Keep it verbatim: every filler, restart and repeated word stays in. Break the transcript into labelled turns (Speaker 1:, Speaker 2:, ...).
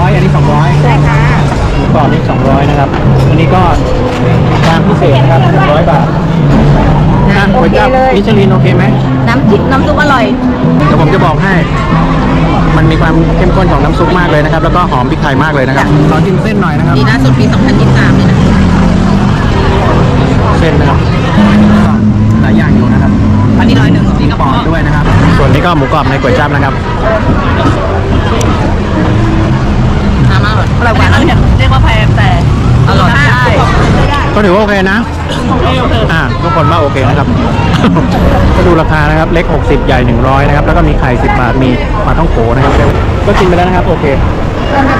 Speaker 1: ร้อยอันนี้สองร้อย
Speaker 2: ใช่ค่ะ
Speaker 1: หมูกรอบนี่สองร้อยนะครับอันนี้ก็จานพิเศษนะครับหนึ่งร้อยบาทนะก๋วยจั๊บมิชลินโอเคไหม
Speaker 2: น้ำจิ้มน้ำซุปอร่อย
Speaker 1: เดี๋ยวผมจะบอกให้ มันมีความเข้มข้นของน้ำซุปมากเลยนะครับ แล้วก็หอมพริกไทยมากเลยนะครับขอจิ้มเส้นหน่อยนะครับ
Speaker 2: ดีล่าสุดปีสองพันยี่สิบสามเลยนะ
Speaker 1: เส้นนะครับก็หลายอย่างอยู่นะครับ
Speaker 2: อันนี้ร้อยหนึ่งนี่
Speaker 1: ห
Speaker 2: ก็
Speaker 1: มู
Speaker 2: พ
Speaker 1: กร
Speaker 2: อ
Speaker 1: อบด้วยนะครับ ส่วนนี้ก็หมูกรอบในก๋วยจั๊บนะครับ
Speaker 2: น้ำอร่อยอร่อยกว่านั้นเรียกว่าแพงแต่อร่อยได้
Speaker 1: ก็ถือว่าโอเคนะ อ่าทุกคนว่าโอเคนะครับ ก็ดูราคานะครับ เล็กหกสิบใหญ่หนึ่งร้อยนะครับ แล้วก็มีไข่สิบบาท มีปลาท่องโกนะครับ ก็กินไปแล้วนะครับ โอเค